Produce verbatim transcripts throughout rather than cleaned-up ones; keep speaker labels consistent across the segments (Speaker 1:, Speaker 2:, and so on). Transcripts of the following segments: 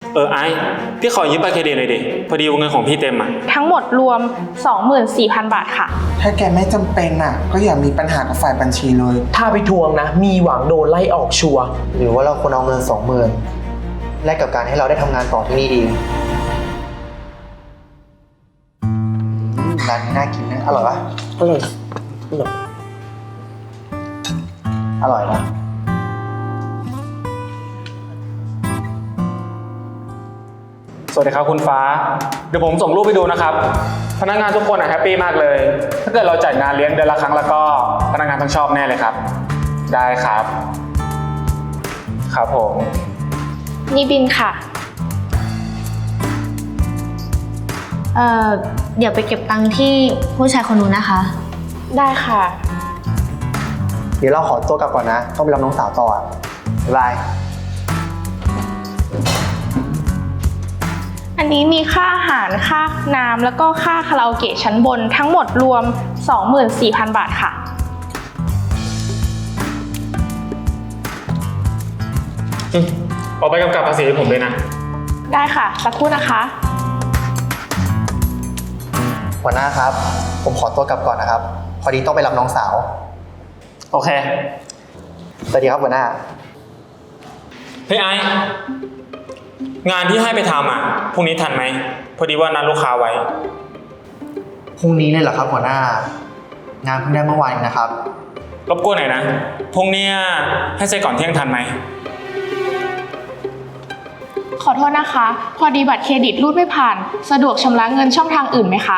Speaker 1: เออไอ้พี่ขอยืมบัตรเครดิตหน่อยดิพอดีวงเงินของพี่เต็มอ่ะ
Speaker 2: ทั้งหมดรวม สองหมื่นสี่พัน บาทค่ะ
Speaker 3: ถ้าแกไม่จำเป็นอ่ะก็อย่ามีปัญหากับฝ่ายบัญชีเลย
Speaker 4: ถ้าไปทวงนะมีหวังโดนไล่ออกชัวร์
Speaker 5: หรือว่าเราควรเอาเงินสองหมื่นแลกกับการให้เราได้ทำงานต่อที่นี่ดีร้านนี้น่ากินนะอร่อยปะ
Speaker 4: อร่อยอร่อย
Speaker 5: อร่อยนะ
Speaker 1: สวัสดีครับคุณฟ้าเดี๋ยวผมส่งรูปไปดูนะครับพนักงานทุกคนแฮปปี้มากเลยถ้าเกิดเราจัดงานเลี้ยงเดือนละครั้งแล้วก็พนักงานต้องชอบแน่เลยครับได้ครับครับผม
Speaker 2: นี่บินค่ะ
Speaker 6: เอ่อ เดี๋ยวไปเก็บตังค์ที่ผู้ชายคนนู้นนะคะ
Speaker 2: ได้ค่ะ
Speaker 5: เดี๋ยวเราขอตัวกลับก่อนนะต้องไปรับน้องสาวต่ออ่ะบ๊ายบาย
Speaker 2: อันนี้มีค่าอาหารค่าน้ำแล้วก็ค่าคาราโอเกะชั้นบนทั้งหมดรวม สองหมื่นสี่พัน บาทค่ะ
Speaker 1: อืมออกไปกำกับภาษีให้ผมด้วยนะ
Speaker 2: ได้ค่ะสักครู่นะคะ
Speaker 5: หัวหน้าครับ ผมขอตัวกลับก่อนนะครับ พอดีต้องไปรับน้องสาว
Speaker 1: โอเค
Speaker 5: สวัสดีครับหัวหน้า
Speaker 1: เฮ้ยไอ้งานที่ให้ไปทำอ่ะพรุ่งนี้ทันไหมพอดีว่านัดลูกค้าไว้
Speaker 5: พรุ่งนี้เลยเหรอครับหัวหน้า งานเพิ่งได้เมื่อวานเองนะครับ
Speaker 1: รบกวนหน่อยนะพรุ่งนี้ให้เสร็จก่อนเที่ยงทันไหม
Speaker 2: ขอโทษนะคะ พอดีบัตรเครดิตรูดไม่ผ่านสะดวกชำระเงินช่องทางอื่นไหมคะ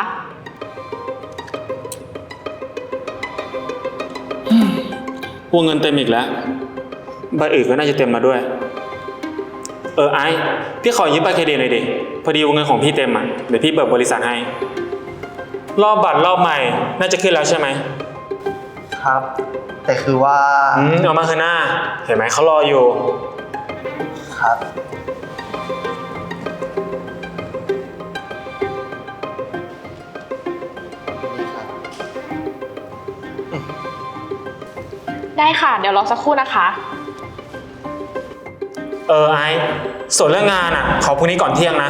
Speaker 1: วงเงินเต็มอีกแล้วบัตรอื่นก็น่าจะเต็มมาด้วยเออไอ้พี่ขอยืมบัตรเครดิตหน่อยดิพอดีวงเงินของพี่เต็มอ่ะเดี๋ยวพี่เบิกบริษัทให้รอบบัตรรอบใหม่น่าจะขึ้นแล้วใช่ไหม
Speaker 5: ครับ แต่คือว่า
Speaker 1: อืมเอามาคืนหน้าเห็นไหมเขารออยู่
Speaker 5: ครับ
Speaker 2: ได้ค่ะ เดี๋ยวรอสักครู่นะคะ
Speaker 1: เออไอ้ส่วนเรื่องงานอ่ะขอพรุ่งนี้ก่อนเที่ยงนะ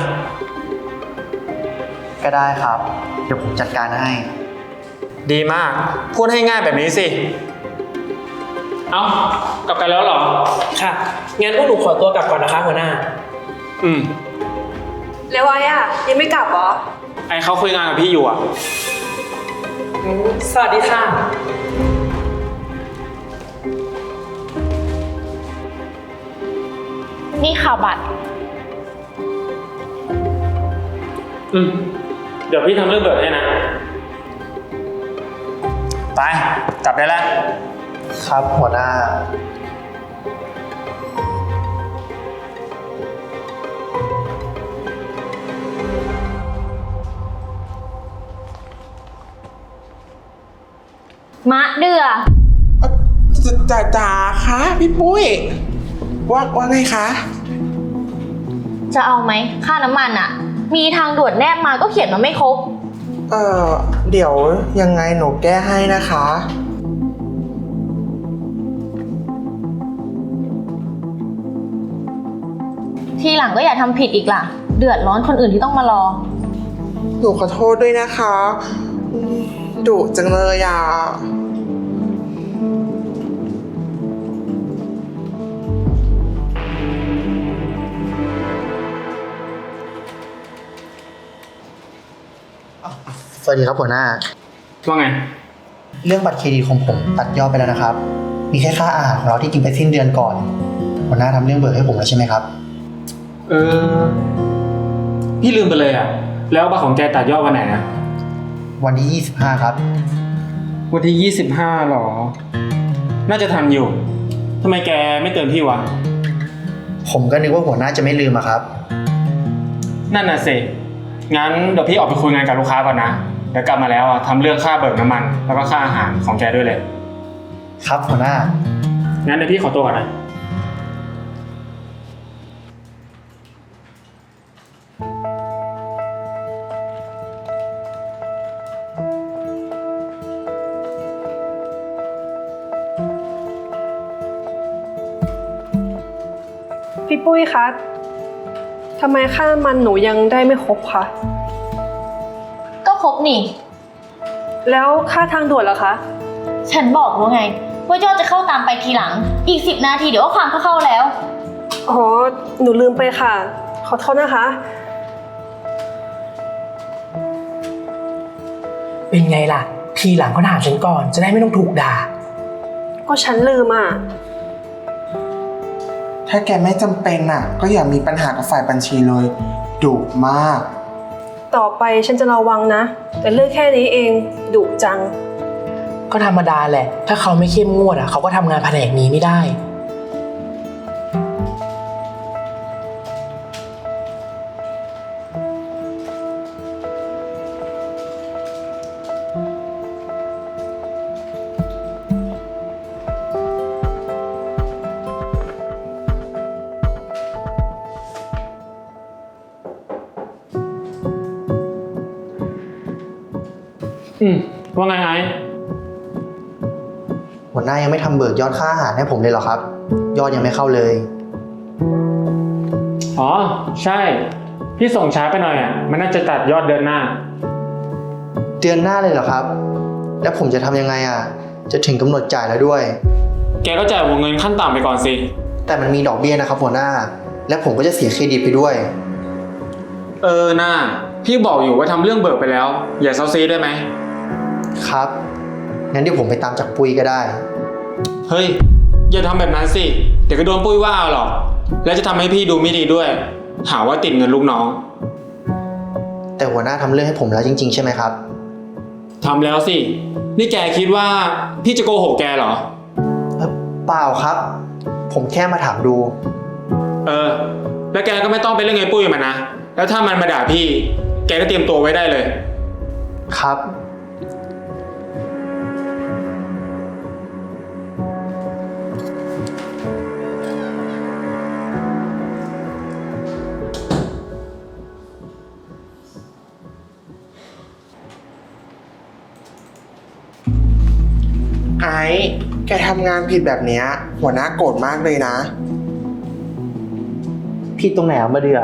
Speaker 5: ก็ได้ครับ เดี๋ยวผมจัดการให้
Speaker 1: ดีมากพูดให้ง่ายแบบนี้สิเอ้ากลับกันแล้วเหรอ
Speaker 4: ค่ะ งั้นพวกหนูขอตัวกลับก่อนนะคะหัวหน้า
Speaker 1: อืม
Speaker 7: แล้วไอ้อะยังไม่กลับเหรอ
Speaker 1: ไอ้เขาคุยงานกับพี่อยู่อ่ะ
Speaker 4: สวัสดีค่ะ
Speaker 2: นี่ค่ะบัตร
Speaker 1: อืมเดี๋ยวพี่ทำเรื่องเบิกให้นะไปกลับได้แล้ว
Speaker 5: ครับหัวหน้า
Speaker 6: มะเดือ
Speaker 3: จ๋าจ๋าคะพี่ปุ้ยว่าว่าไงคะ
Speaker 6: จะเอาไหมค่าน้ำมันอะมีทางด่วนแนบมาก็เขียนมาไม่ครบ
Speaker 3: เออเดี๋ยวยังไงหนูแก้ให้นะคะ
Speaker 6: ทีหลังก็อย่าทำผิดอีกล่ะ เดือดร้อนคนอื่นที่ต้องมารอ
Speaker 3: หนูขอโทษด้วยนะคะอืมดุจังเลยอ่ะ
Speaker 5: สวัสดีครับหัวหน้า
Speaker 1: ว่าไง
Speaker 5: เรื่องบัตรเครดิตของผมตัดยอดไปแล้วนะครับ มีแค่ค่าอาหารของเราที่กินไปสิ้นเดือนก่อน หัวหน้าทำเรื่องเบิกให้ผมแล้วใช่ไหมครับ
Speaker 1: เออพี่ลืมไปเลยอ่ะแล้วบัตรของแกตัดยอดวันไหนนะ
Speaker 5: วันที่ยี่สิบห้าครับ
Speaker 1: วันที่ยี่สิบห้าหรอ น่าจะทันอยู่ทำไมแกไม่เตือนพี่วะ
Speaker 5: ผมก็นึกว่าหัวหน้าจะไม่ลืมอะครับ
Speaker 1: นั่นน่ะสิงั้นเดี๋ยวพี่ออกไปคุยงานกับลูกค้าก่อนนะเดี๋ยวกลับมาแล้วอ่ะทำเรื่องค่าเบิกน้ำมันแล้วก็ค่าอาหารของแกด้วยเลย
Speaker 5: ครับหัวหน้า
Speaker 1: งั้นเดี๋ยวพี่ขอตัวก่อนนะ
Speaker 7: พี่ปุ้ยคะทำไมค่าน้ำมันหนูยังได้ไม่ครบคะ
Speaker 6: ก็ครบนี่
Speaker 7: แล้วค่าทางด่วนล่ะคะ
Speaker 6: ฉันบอกแล้วไง ว่ายอดจะเข้าตามไปทีหลัง อีกสิบนาทีเดี๋ยวก็ความก็เข้าแล้ว
Speaker 7: อ๋อ หนูลืมไปค่ะ ขอโทษนะคะ
Speaker 4: เป็นไงล่ะ ทีหลังก็ถามฉันก่อน จะได้ไม่ต้องถูกด่า
Speaker 7: ก็ฉันลืมอ่ะ
Speaker 3: ถ้าแกไม่จำเป็นอ่ะ ก็อย่ามีปัญหากับฝ่ายบัญชีเลยดุมาก
Speaker 7: ต่อไปฉันจะระวังนะ แต่เรื่องแค่นี้เองดุจัง
Speaker 4: ก็ธรรมดาแหละ ถ้าเขาไม่เข้มงวดอ่ะเขาก็ทำงานแผนกนี้ไม่ได้
Speaker 1: อืมว่าไงไอ้
Speaker 5: หัวหน้ายังไม่ทำเบิกยอดค่าอาหารให้ผมเลยเหรอครับ ยอดยังไม่เข้าเลย
Speaker 1: อ๋อ ใช่ พี่ส่งช้าไปหน่อยอ่ะ มันน่าจะตัดยอดเดือนหน้า
Speaker 5: เดือนหน้าเลยเหรอครับ แล้วผมจะทำยังไงอ่ะ จะถึงกำหนดจ่ายแล้วด้วย
Speaker 1: แกก็จ่ายวงเงินขั้นต่ำไปก่อนสิ
Speaker 5: แต่มันมีดอกเบี้ยนะครับหัวหน้า และผมก็จะเสียเครดิตไปด้วย
Speaker 1: เออหน้า พี่บอกอยู่ว่าทำเรื่องเบิกไปแล้ว อย่าเซาซีได้ไหม
Speaker 5: ครับ งั้นเดี๋ยวผมไปตามจากปุ้ยก็ได้
Speaker 1: เฮ้ย อย่าทำแบบนั้นสิ เดี๋ยวก็โดนปุ้ยว่าเอาหรอก แล้วจะทำให้พี่ดูไม่ดีด้วย หาว่าติดเงินลูกน้อง
Speaker 5: แต่หัวหน้าทำเรื่องให้ผมแล้วจริงๆใช่ไหมครับ
Speaker 1: ทำแล้วสิ นี่แกคิดว่าพี่จะโกหกแกเหรอ
Speaker 5: เอ่อเปล่าครับ ผมแค่มาถามดู
Speaker 1: เออ แล้วแกก็ไม่ต้องไปเล่นไงปุ้ยมันนะ แล้วถ้ามันมาด่าพี่ แกก็เตรียมตัวไว้ได้เลย
Speaker 5: ครับ
Speaker 3: ไอ้แกทำงานผิดแบบเนี้ยหัวหน้าโกรธมากเลยนะ
Speaker 5: ผิดตรงไหนอ่ะมาเดือ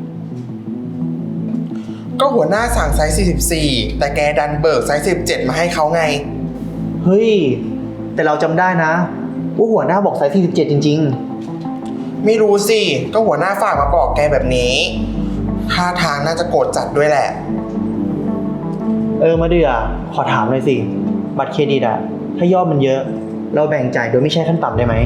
Speaker 3: ก็หัวหน้าสั่งไซส์สี่สิบสี่แต่แกดันเบิกไซส์สิบเจ็ดมาให้เขาไง
Speaker 5: เฮ้ย แต่เราจำได้นะว่าหัวหน้าบอกไซส์สี่สิบเจ็ดจริง
Speaker 3: ไม่รู้สิ ก็หัวหน้าฝากมาบอกแกแบบนี้ท่าทางน่าจะโกรธจัดด้วยแหละ
Speaker 5: ๆ เออมาเดือขอถามหน่อยสิ บัตรเครดิตอะถ้ายอดมันเยอะ เราแบ่งจ่ายโดยไม่ใช่ขั้นต่ำได้ไหม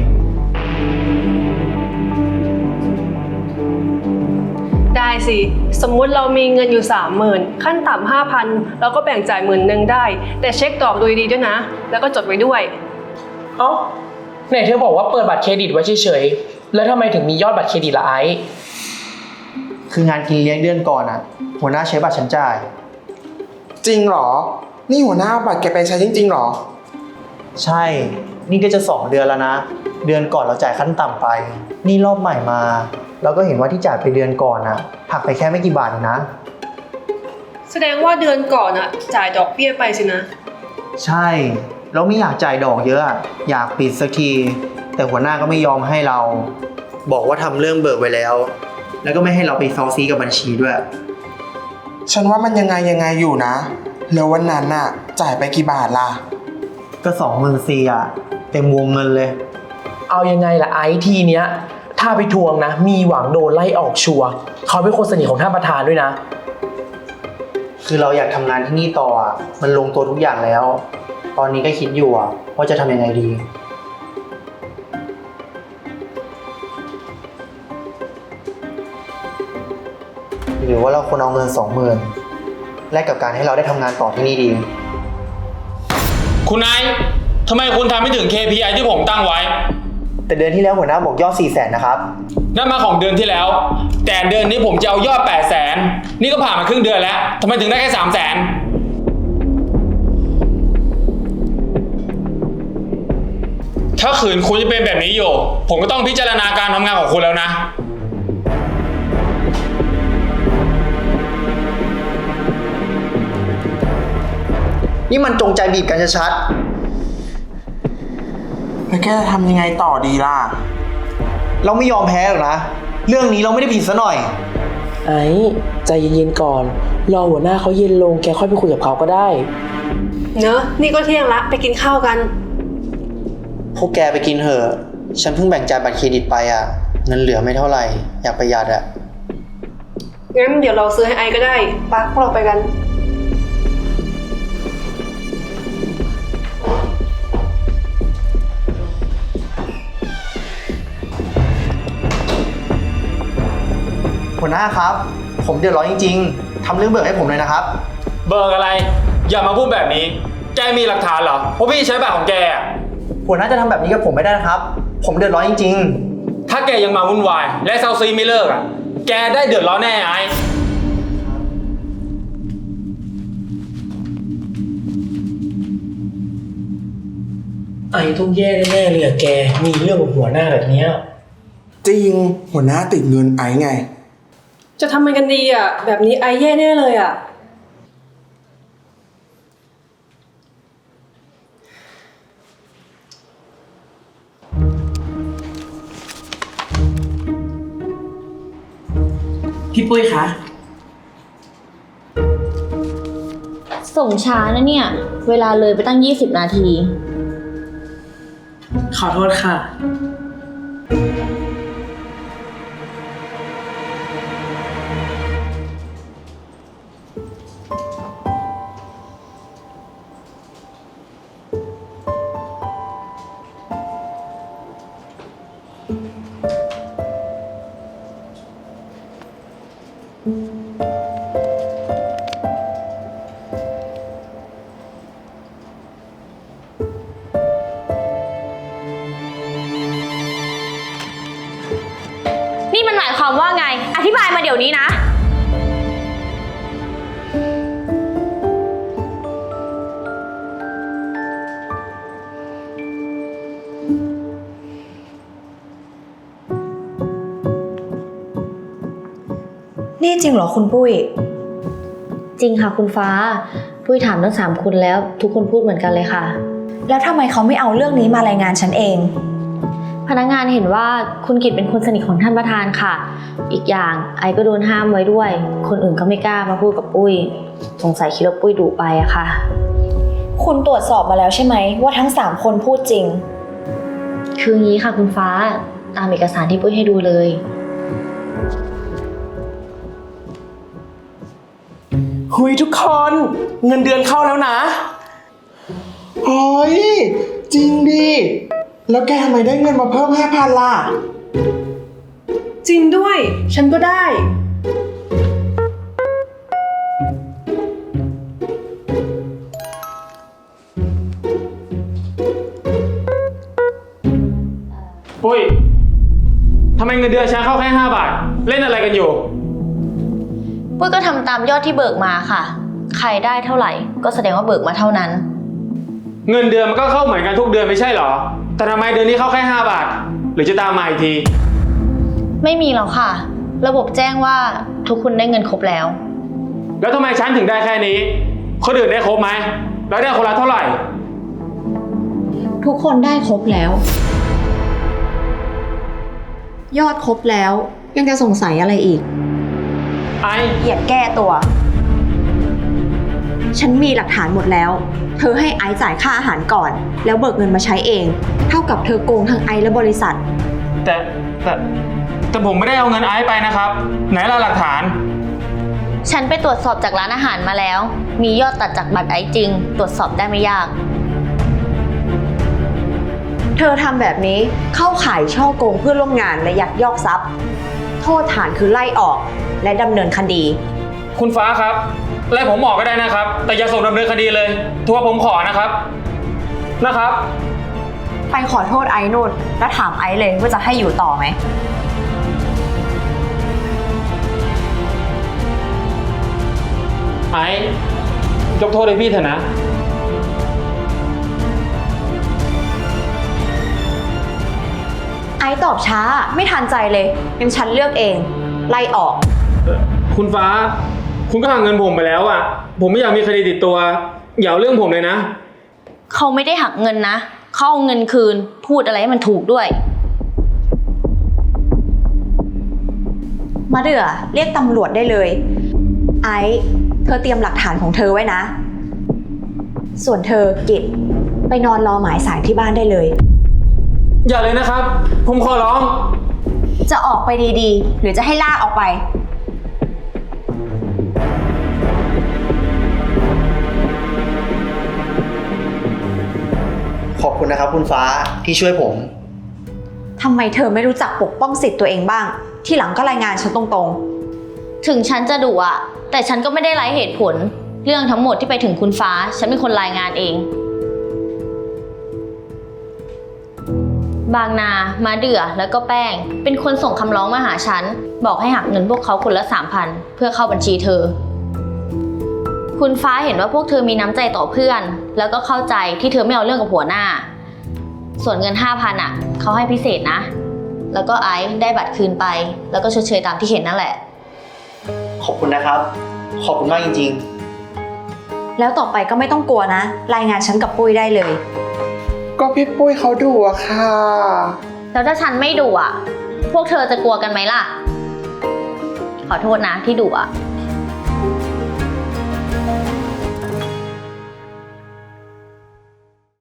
Speaker 7: ได้สิ สมมุติเรามีเงินอยู่สามหมื่นขั้นต่ำห้าพันเราก็แบ่งจ่ายหมื่นหนึ่งได้ แต่เช็คดอกดูดีๆด้วยนะ แล้วก็จดไว้ด้วย
Speaker 4: เอ้าไหนเธอบอกว่าเปิดบัตรเครดิตไว้เฉยๆ แล้วทำไมถึงมียอดบัตรเครดิตละไอซ์
Speaker 5: คืองานกินเลี้ยงเดือนก่อนอะหัวหน้าใช้บัตรฉันจ่าย
Speaker 3: จริงเหรอ นี่หัวหน้าเอาบัตรแกไปใช้จริงๆเหรอ
Speaker 5: ใช่ นี่ก็จะสองเดือนแล้วนะ เดือนก่อนเราจ่ายขั้นต่ำไป นี่รอบใหม่มา เราก็เห็นว่าที่จ่ายไปเดือนก่อนอะหักไปแค่ไม่กี่บาทเองนะ
Speaker 7: แสดงว่าเดือนก่อนอะจ่ายดอกเบี้ยไปสินะ
Speaker 5: ใช่ เราไม่อยากจ่ายดอกเยอะอะอยากปิดสักที แต่หัวหน้าก็ไม่ยอมให้เรา บอกว่าทำเรื่องเบิกไว้แล้ว แล้วก็ไม่ให้เราไปเซาซีกับบัญชีด้วย
Speaker 3: ฉันว่ามันยังไงยังไงอยู่นะ แล้ววันนั้นน่ะ จ่ายไปกี่บาทล่ะ
Speaker 5: ก็สองหมื่นสี่อะเต็มวงเงินเลย
Speaker 4: เอายังไงล่ะไอซ์ทีเนี้ย ถ้าไปทวงนะ มีหวังโดนไล่ออกชัวร์เขาเป็นคนสนิทของท่านประธานด้วยนะ
Speaker 5: คือเราอยากทำงานที่นี่ต่ออะมันลงตัวทุกอย่างแล้ว ตอนนี้ก็คิดอยู่อะว่าจะทำยังไงดี หรือว่าเราควรเอาเงินสองหมื่นแลกกับการให้เราได้ทำงานต่อที่นี่ดี
Speaker 1: คุณไอซ์ทำไมคุณทำไม่ถึง เค พี ไอ ที่ผมตั้งไว้
Speaker 5: แต่เดือนที่แล้วหัวหน้าบอกยอดสี่แสนนะครับ
Speaker 1: นั่นมาของเดือนที่แล้ว แต่เดือนนี้ผมจะเอายอดแปดแสนนี่ก็ผ่านมาครึ่งเดือนแล้วทำไมถึงได้แค่สามแสนถ้าขืนคุณจะเป็นแบบนี้อยู่ ผมก็ต้องพิจารณาการทำงานของคุณแล้วนะ
Speaker 5: นี่มันจงใจบีบกันชัด
Speaker 3: แล้วแกจะทำยังไงต่อดีล่ะ
Speaker 5: ๆเราไม่ยอมแพ้หรอกนะ เรื่องนี้เราไม่ได้ผิดซะหน่อย
Speaker 4: ไอ้ใจเย็นๆก่อน รอหัวหน้าเขาเย็นลงแกค่อยไปคุยกับเขาก็ได้
Speaker 7: เนอะนี่ก็เที่ยงละไปกินข้าวกัน
Speaker 5: พวกแกไปกินเถอะ ฉันเพิ่งแบ่งจ่ายบัตรเครดิตไปอ่ะ เงินเหลือไม่เท่าไหร่ อยากประหยัดอ่ะ
Speaker 7: งั้นเดี๋ยวเราซื้อให้ไอก็ได้ปะพวกเราไปกัน
Speaker 5: หัวหน้าครับ ผมเดือดร้อนจริงๆทำเรื่องเบิกให้ผมเลยนะครับ
Speaker 1: เบิกอะไร อย่ามาพูดแบบนี้ แกมีหลักฐานเหรอเพราะพี่ใช้บัตรของแกอะ
Speaker 5: หัวหน้าจะทำแบบนี้กับผมไม่ได้นะครับ ผมเดือดร้อนจริง
Speaker 1: ถ้าแกยังมาวุ่นวายและเซาซีไม่เลิกอ่ะ แกได้เดือดร้อนแน่ไอ้
Speaker 4: ไอ้ต้องแย่แน่ๆเลยอะแก มีเรื่องกับหัวหน้าแบบเนี้ย
Speaker 3: จริง หัวหน้าติดเงินไอ้ไง
Speaker 7: จะทำมันกันดีอ่ะ แบบนี้ไอแย่แน่เลยอ่ะ
Speaker 4: พี่ปุ้ยคะ
Speaker 6: ส่งช้านะเนี่ย เวลาเลยไปตั้งยี่สิบนาที
Speaker 4: ขอโทษค่ะ
Speaker 6: นี่มันหมายความว่าไง อธิบายมาเดี๋ยวนี้นะ
Speaker 8: นี่จริงเหรอคุณปุ้ย
Speaker 6: จริงค่ะคุณฟ้า ปุ้ยถามทั้งสามคนแล้ว ทุกคนพูดเหมือนกันเลยค่ะ
Speaker 8: แล้วทำไมเขาไม่เอาเรื่องนี้มารายงานฉันเอง
Speaker 6: พนักงานเห็นว่าคุณกิตเป็นคนสนิทของท่านประธานค่ะ อีกอย่างไอก็โดนห้ามไว้ด้วย คนอื่นก็ไม่กล้ามาพูดกับปุ้ย สงสัยคิดว่าปุ้ยดุไปอะค่ะ
Speaker 8: คุณตรวจสอบมาแล้วใช่ไหมว่าทั้งสามคนพูดจริง
Speaker 6: คืองี้ค่ะคุณฟ้า ตามเอกสารที่ปุ้ยให้ดูเลย
Speaker 4: หุยทุกคน เงินเดือนเข้าแล้วนะ
Speaker 3: เฮ้ย จริงดิ แล้วแกทำไมได้เงินมาเพิ่มห้าพันล่ะ
Speaker 7: จริงด้วย ฉันก็ได้
Speaker 1: ปุ้ยทำไมเงินเดือนฉันเข้าแค่ห้าบาท เล่นอะไรกันอยู่
Speaker 6: ปุ้ยก็ทำตามยอดที่เบิกมาค่ะ ใครได้เท่าไหร่ ก็แสดงว่าเบิกมาเท่านั้น
Speaker 1: เงินเดือนมันก็เข้าเหมือนกันทุกเดือนไม่ใช่เหรอ แต่ทำไมเดือนนี้เข้าแค่ห้าบาท หรือจะตามมาอีกที
Speaker 6: ไม่มีแล้วค่ะ ระบบแจ้งว่าทุกคนได้เงินครบแล้ว
Speaker 1: แล้วทำไมฉันถึงได้แค่นี้ คนอื่นได้ครบไหม แล้วได้คนละเท่าไหร่
Speaker 8: ทุกคนได้ครบแล้ว ยอดครบแล้ว ยังจะสงสัยอะไรอีก
Speaker 1: ไอ้
Speaker 8: อย่าแก้ตัว ฉันมีหลักฐานหมดแล้ว เธอให้ไอซ์จ่ายค่าอาหารก่อน แล้วเบิกเงินมาใช้เอง เท่ากับเธอโกงทั้งไอซ์และบริษัท
Speaker 1: แต่แต่แต่ผมไม่ได้เอาเงินไอ้ไปนะครับ ไหนล่ะหลักฐาน
Speaker 6: ฉันไปตรวจสอบจากร้านอาหารมาแล้ว มียอดตัดจากบัตรไอซ์จริง ตรวจสอบได้ไม่ยาก
Speaker 8: เธอทำแบบนี้เข้าข่ายช่อโกงเพื่อนร่วมงานและยักยอกทรัพย์ โทษฐานคือไล่ออกและดำเนินคดี
Speaker 1: คุณฟ้าครับไล่ผมออกก็ได้นะครับ แต่อย่าส่งดำเนินคดีเลยทัวร์ผมขอนะครับ นะครับ
Speaker 8: ไปขอโทษไอซ์นู่นแล้วถามไอซ์เลยว่าจะให้อยู่ต่อไหม
Speaker 1: ไอ้ยกโทษให้พี่เถอะนะ
Speaker 8: ไอซ์ตอบช้าไม่ทันใจเลยงั้นฉันเลือกเอง ไล่ออก
Speaker 1: คุณฟ้า คุณก็หักเงินผมไปแล้วอ่ะ ผมไม่อยากมีคดีติดตัว อย่าเอาเรื่องผมเลยนะ
Speaker 6: เขาไม่ได้หักเงินนะ เขาเอาเงินคืน พูดอะไรให้มันถูกด้วย
Speaker 8: มาเดือเรียกตำรวจได้เลย ไอซ์เธอเตรียมหลักฐานของเธอไว้นะ ส่วนเธอกิจไปนอนรอหมายสารที่บ้านได้เลย
Speaker 1: อย่าเลยนะครับ ผมขอร้อง
Speaker 8: จะออกไปดีๆ หรือจะให้ลากออกไป
Speaker 5: ขอบคุณนะครับคุณฟ้าที่ช่วยผม
Speaker 8: ทำไมเธอไม่รู้จักปกป้องสิทธิ์ตัวเองบ้าง ที่หลังก็รายงานฉันตรง
Speaker 6: ถึงฉันจะดุอะแต่ฉันก็ไม่ได้ไร้เหตุผล เรื่องทั้งหมดที่ไปถึงคุณฟ้า ฉันเป็นคนรายงานเอง บางนา มาเดือแล้วก็แป้ง เป็นคนส่งคำร้องมาหาฉัน บอกให้หักเงินพวกเขาคนละสามพันเพื่อเข้าบัญชีเธอ คุณฟ้าเห็นว่าพวกเธอมีน้ำใจต่อเพื่อน แล้วก็เข้าใจที่เธอไม่เอาเรื่องกับหัวหน้า ส่วนเงินห้าพันอ่ะเขาให้พิเศษนะ แล้วก็ไอซ์ได้บัตรคืนไป แล้วก็ชดเชยตามที่เห็นนั่นแหละ
Speaker 5: ขอบคุณนะครับ ขอบคุณมากจริง
Speaker 8: ๆ แล้วต่อไปก็ไม่ต้องกลัวนะ รายงานฉันกับปุ้ยได้เลย
Speaker 3: ก็พี่ปุ้ยเขาดุอะค่ะ
Speaker 6: แล้วถ้าฉันไม่ดุอ่ะ พวกเธอจะกลัวกันไหมล่ะ ขอโทษนะที่ดุอ่ะ